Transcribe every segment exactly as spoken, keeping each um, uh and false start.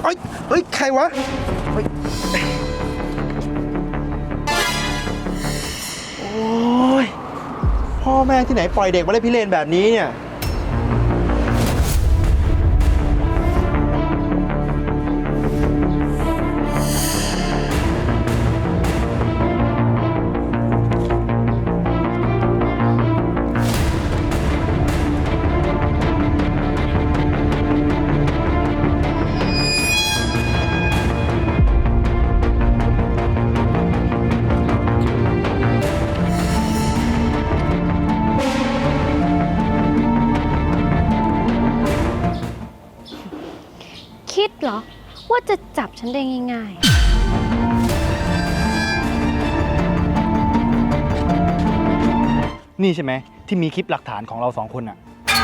ฮ้ยเฮ้ยใครวะเฮ้ยโอ้ยพ่อแม่ที่ไหนปล่อยเด็กมาเล่นพิเรนแบบนี้เนี่ยคิดเหรอว่าจะจับฉันได้ง่ายๆนี่ใช่ไหมที่มีคลิปหลักฐานของเราสองคนอะ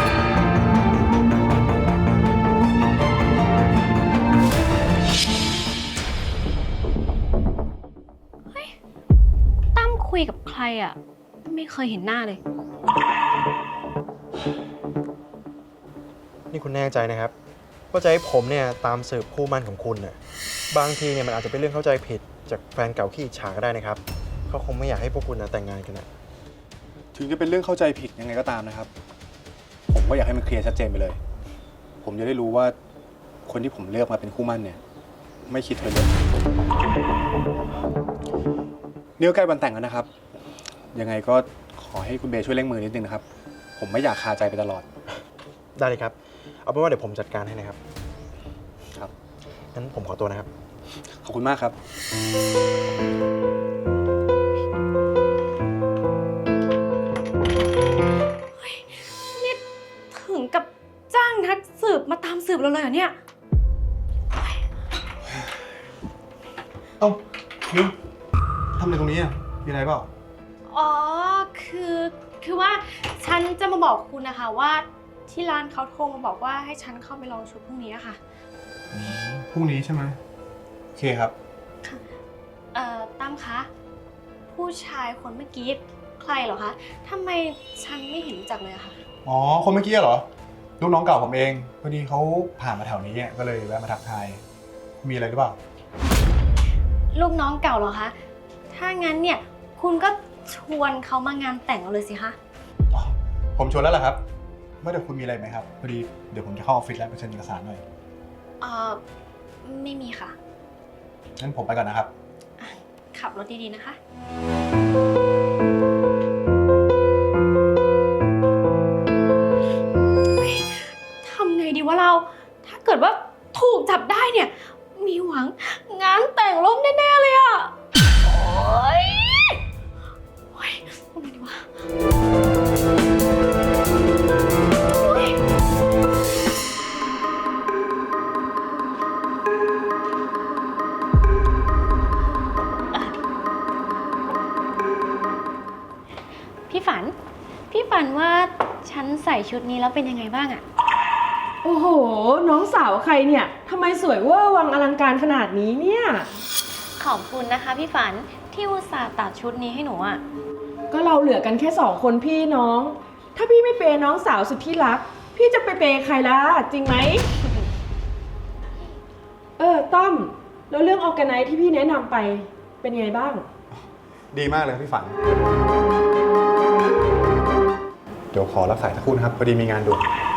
ๆเฮ้ยตั้มคุยกับใครอ่ะไม่เคยเห็นหน้าเลยนี่คุณแน่ใจนะครับว่าจะให้ผมเนี่ยตามสืบคู่มั่นของคุณน่ะบางทีเนี่ยมันอาจจะเป็นเรื่องเข้าใจผิดจากแฟนเก่าขี้อิจฉาก็ได้นะครับเขาคงไม่อยากให้พวกคุณนะแต่งงานกันนะถึงจะเป็นเรื่องเข้าใจผิดยังไงก็ตามนะครับผมก็อยากให้มันเคลียร์ชัดเจนไปเลย ผมจะได้รู้ว่าคนที่ผมเลือกมาเป็นคู่มั่นเนี่ยไม่คิดไปเลยนี่ก็ใกล้วันแต่งแล้วนะครับยังไงก็ขอให้คุณเบย์ช่วยเร่งมือนิดนึงนะครับผมไม่อยากคาใจไปตลอดได้เลยครับเอาเป็นว่าเดี๋ยวผมจัดการให้นะครับครับงั้นผมขอตัวนะครับขอบคุณมากครับนี่ถึงกับจ้างนักสืบมาตามสืบเราเลยเหรอเนี่ยเอ้านิวทำอะไรตรงนี้อ่ะมีอะไรเปล่าอ๋อคือคือว่าฉันจะมาบอกคุณนะคะว่าที่ร้านเขาโทรมาบอกว่าให้ฉันเข้าไปลองชุดพรุ่งนี้ค่ะพรุ่งนี้ใช่ไหมโอเคครับเอ่อตั้มคะผู้ชายคนเมื่อกี้ใครเหรอคะทำไมฉันไม่เห็นรู้จักเลยอะคะอ๋อคนเมื่อกี้เหรอลูกน้องเก่าผมเองพอดีเขาผ่านมาแถวนี้ก็เลยแวะมาทักทายมีอะไรหรือเปล่าลูกน้องเก่าเหรอคะถ้างั้นเนี่ยคุณก็ชวนเขามางานแต่งเราเลยสิคะผมชวนแล้วล่ะครับเมื่อเดี๋ยวคุณมีอะไรไหมครับพอดีเดี๋ยวผมจะเข้าออฟฟิศแล้วไปเซ็นเอกสารหน่อยเอ่อไม่มีค่ะงั้นผมไปก่อนนะครับขับรถดีๆนะคะทำไงดีวะเราถ้าเกิดว่าถูกจับได้เนี่ยมีหวังงานแต่งล้มแน่ๆเลยอะโอ๊ยโอ๊ยทำไงดีวะพี่ฝัน พี่ฝันว่าฉันใส่ชุดนี้แล้วเป็นยังไงบ้างอะโอ้โห น้องสาวใครเนี่ยทำไมสวยเวอร์วังอลังการขนาดนี้เนี่ยขอบคุณนะคะพี่ฝันที่อุตส่าห์ตัดชุดนี้ให้หนูอะก็เราเหลือกันแค่สองคนพี่น้อง ถ้าพี่ไม่เปย์น้องสาวสุดที่รัก พี่จะไปเปย์ใครล่ะ จริงไหม เออต้อมแล้วเรื่องออร์แกไนซ์ที่พี่แนะนำไปเป็นไงบ้างดีมากเลยพี่ฝันเดี๋ยวขอรับสายสักครู่นะครับพอดีมีงานด่วน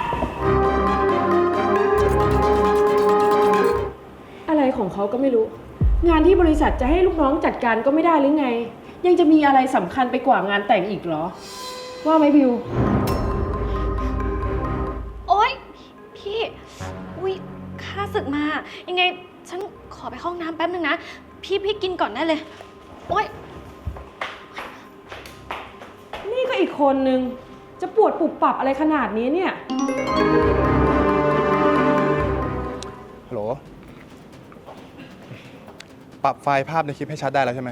อะไรของเขาก็ไม่รู้งานที่บริษัทจะให้ลูกน้องจัดการก็ไม่ได้หรือไงยังจะมีอะไรสำคัญไปกว่างานแต่งอีกเหรอว่าไหมบิวโอ๊ยพี่อุ้ยข้าศึกมายังไงฉันขอไปเข้าห้องน้ำแป๊บนึงนะพี่พี่กินก่อนได้เลยโอ๊ยนี่ก็อีกคนนึงจะปวดปุบปับอะไรขนาดนี้เนี่ยฮัลโหลปรับไฟล์ภาพในคลิปให้ชัดได้แล้วใช่ไหม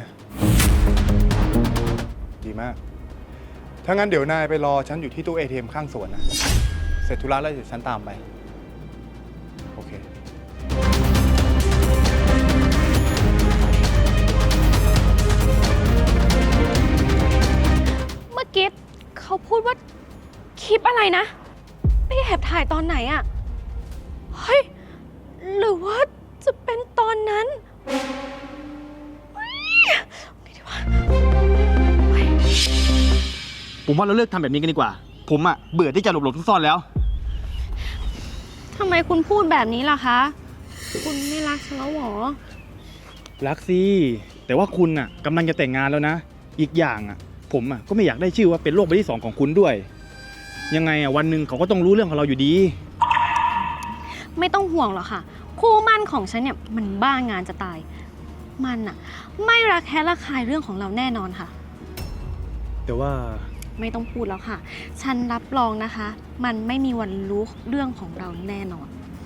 ดีมากถ้างั้นเดี๋ยวนายไปรอฉันอยู่ที่ตู้ เอ ที เอ็ม ข้างสวนนะเสร็จธุระแล้วเดี๋ยวฉันตามไปโอเคเมื่อกี้เขาพูดว่าคลิปอะไรนะไปแอบถ่ายตอนไหนอะเฮ้ยหรือว่าจะผมว่าเราเลิกทำแบบนี้กันดีกว่า ผมอะเบื่อที่จะหลบหลบซ่อนๆแล้วทำไมคุณพูดแบบนี้ล่ะคะ คุณไม่รักฉันแล้วเหรอรักสิแต่ว่าคุณอะกำลังจะแต่งงานแล้วนะ อีกอย่างอะผมอะก็ไม่อยากได้ชื่อว่าเป็นโรคใบที่สองของคุณด้วย ยังไงอะวันหนึ่งเขาก็ต้องรู้เรื่องของเราอยู่ดีไม่ต้องห่วงหรอกค่ะ คู่มั่นของฉันเนี่ยมันบ้างานจะตาย มันอะไม่รักแค่ระคายเรื่องของเราแน่นอนค่ะแต่ว่าไม่ต้องพูดแล้วค่ะ ฉันรับรองนะคะ มันไม่มีวันรู้เรื่องของเราแน่นอน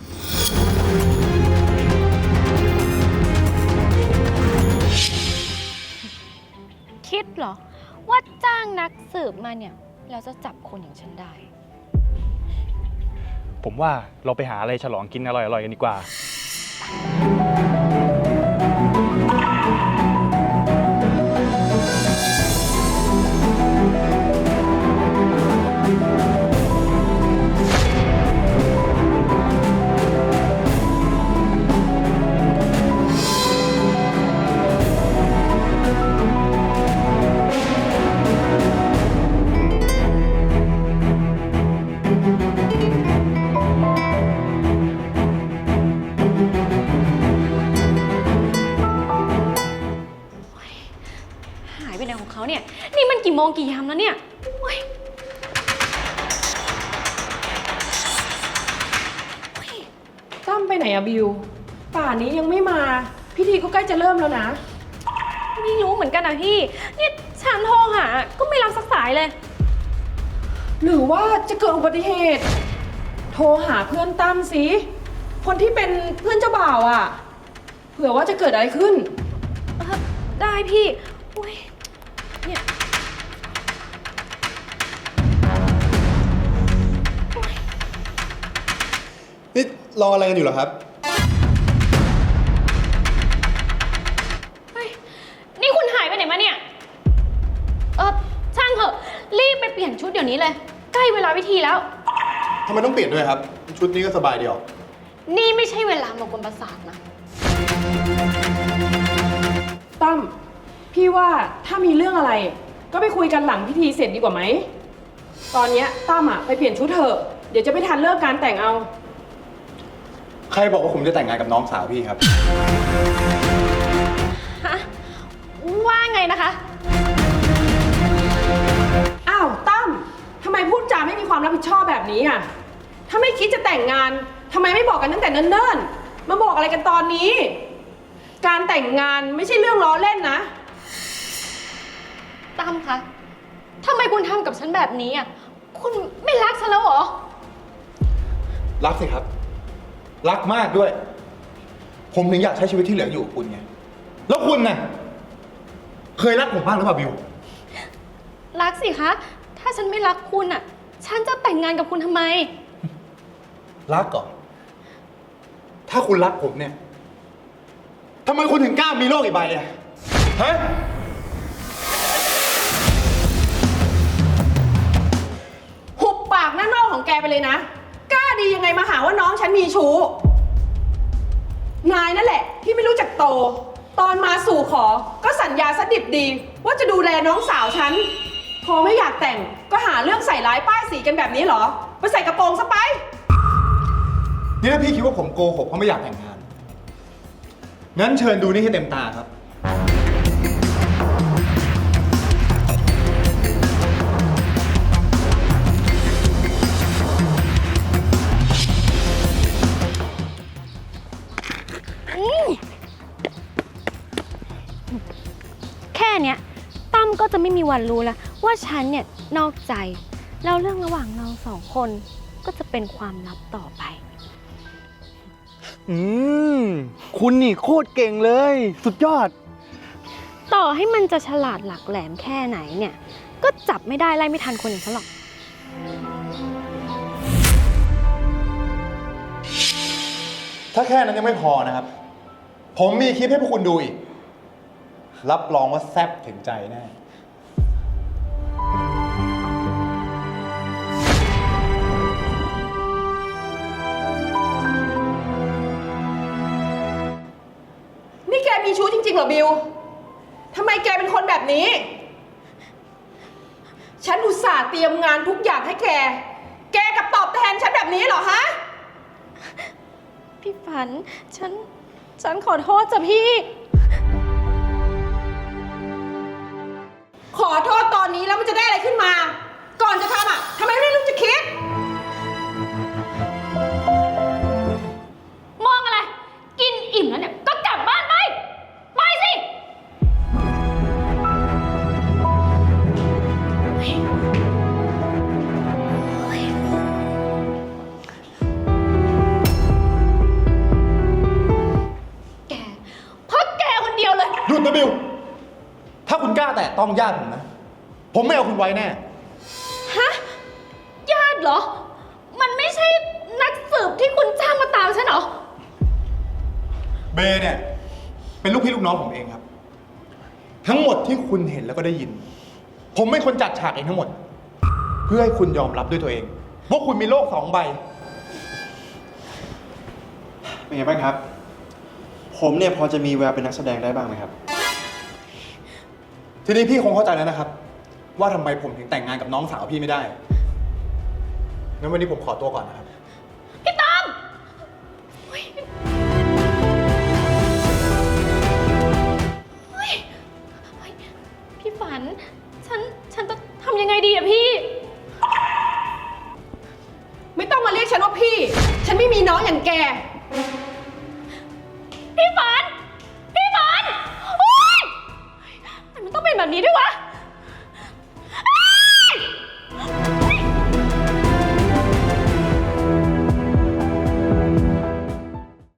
คิดเหรอ ว่าจ้างนักสืบมาเนี่ยเราจะจับคนอย่างฉันได้ผมว่าเราไปหาอะไรฉลองกินอร่อยๆกันดีกว่าหายไปไหนของเขาเนี่ย นี่มันกี่โมงกี่ยามแล้วเนี่ยโอ๊ยโอ๊ยตั้มไปไหนอะบิว ป่านนี้ยังไม่มา พิธีก็ใกล้จะเริ่มแล้วนะไม่รู้เหมือนกันนะพี่ นี่ฉันโทรหา ก็ไม่รับสักสายเลยหรือว่าจะเกิดอุบัติเหตุ โทรหาเพื่อนตั้มสิ คนที่เป็นเพื่อนเจ้าบ่าวอะเผื่อว่าจะเกิดอะไรขึ้นเอ่อได้พี่โอ๊ยเนี่ยนี่รออะไรกันอยู่เหรอครับเฮ้ย นี่คุณหายไปไหนมาเนี่ย เออช่างเถอะ รีบไปเปลี่ยนชุดเดี๋ยวนี้เลย ใกล้เวลาพิธีแล้วทำไมต้องเปลี่ยนด้วยครับ ชุดนี้ก็สบายเดียวนี่ไม่ใช่เวลามากวนประสาทนะตั้ม พี่ว่าถ้ามีเรื่องอะไร ก็ไปคุยกันหลังพิธีเสร็จดีกว่าไหม ตอนเนี้ยตั้มอะไปเปลี่ยนชุดเถอะ เดี๋ยวจะไม่ทันเลิกการแต่งเอาใครบอกว่าผมจะแต่งงานกับน้องสาวพี่ครับฮะ ว่าไงนะคะอ้าวตั้มทำไมพูดจาไม่มีความรับผิดชอบแบบนี้อ่ะ ถ้าไม่คิดจะแต่งงานทำไมไม่บอกกันตั้งแต่เนิ่นๆ มาบอกอะไรกันตอนนี้ การแต่งงานไม่ใช่เรื่องล้อเล่นนะตั้มคะ ทำไมคุณทำกับฉันแบบนี้อ่ะ คุณไม่รักฉันแล้วเหรอรักสิครับ รักมากด้วย ผมถึงอยากใช้ชีวิตที่เหลืออยู่กับคุณไง แล้วคุณน่ะ เคยรักผมบ้างหรือเปล่าบิวรักสิคะ ถ้าฉันไม่รักคุณอ่ะ ฉันจะแต่งงานกับคุณทำไมรักก่อน ถ้าคุณรักผมเนี่ย ทำไมคุณถึงกล้ามีโลกอีกใบอะฮะหุบปากหน้าโน่ของแกไปเลยนะ กล้าดียังไงมาหาว่าน้องฉันมีชู้ นายนั่นแหละที่ไม่รู้จักโต ตอนมาสู่ขอ ก็สัญญาสดิบดี ว่าจะดูแลน้องสาวฉัน พอไม่อยากแต่งก็หาเรื่องใส่ร้ายป้ายสีกันแบบนี้เหรอ ไปใส่กระโปรงซะไปนี่ถ้าพี่คิดว่าผมโกหกเพราะไม่อยากแต่งงาน งั้นเชิญดูนี่ให้เต็มตาครับแค่เนี้ยตั้มก็จะไม่มีวันรู้แล้วว่าฉันเนี่ยนอกใจ แล้วเรื่องระหว่างเราสองคนก็จะเป็นความลับต่อไปอืม คุณนี่โคตรเก่งเลย สุดยอดต่อให้มันจะฉลาดหลักแหลมแค่ไหนเนี่ย ก็จับไม่ได้ไล่ไม่ทันคนอย่างฉันหรอกถ้าแค่นั้นยังไม่พอนะครับ ผมมีคลิปให้พวกคุณดูอีก รับรองว่าแซ่บถึงใจแน่นี่แกมีชู้จริงๆเหรอบิว ทำไมแกเป็นคนแบบนี้ฉันอุตส่าห์เตรียมงานทุกอย่างให้แก แกกลับตอบแทนฉันแบบนี้เหรอฮะพี่ฝัน ฉัน ฉันขอโทษจ้ะพี่ขอโทษตอนนี้แล้วมันจะได้อะไรขึ้นมา ก่อนจะทำอ่ะทำไมไม่รู้จะคิดมองอะไร กินอิ่มแล้วเนี่ย ก็กลับบ้านไป ไปสิเฮ้ยเฮ้ยแกเพราะแกคนเดียวเลยหยุดนะบิว ถ้าคุณกล้าแตะต้องญาติผมนะ ผมไม่เอาคุณไว้แน่ฮะ ญาติเหรอ มันไม่ใช่นักสืบที่คุณจ้างมาตามฉันเหรอเบย์เนี่ย เป็นลูกพี่ลูกน้องผมเองครับ ทั้งหมดที่คุณเห็นแล้วก็ได้ยิน ผมเป็นคนจัดฉากเองทั้งหมด เพื่อให้คุณยอมรับด้วยตัวเองว่าคุณมีโลกสองใบเป็นไงบ้างครับ ผมเนี่ยพอจะมีแววเป็นนักแสดงได้บ้างไหมครับทีนี้พี่คงเข้าใจแล้วนะครับ ว่าทำไมผมถึงแต่งงานกับน้องสาวพี่ไม่ได้งั้นวันนี้ผมขอตัวก่อนนะครับพี่ตองเฮ้ยเฮ้ยเฮ้ยพี่ฝัน ฉัน ฉันจะทำยังไงดีอะพี่ไม่ต้องมาเรียกฉันว่าพี่ ฉันไม่มีน้องอย่างแกพี่ฝัน พี่ฝัน โอ๊ยทำไมมันต้องเป็นแบบนี้ด้วยวะ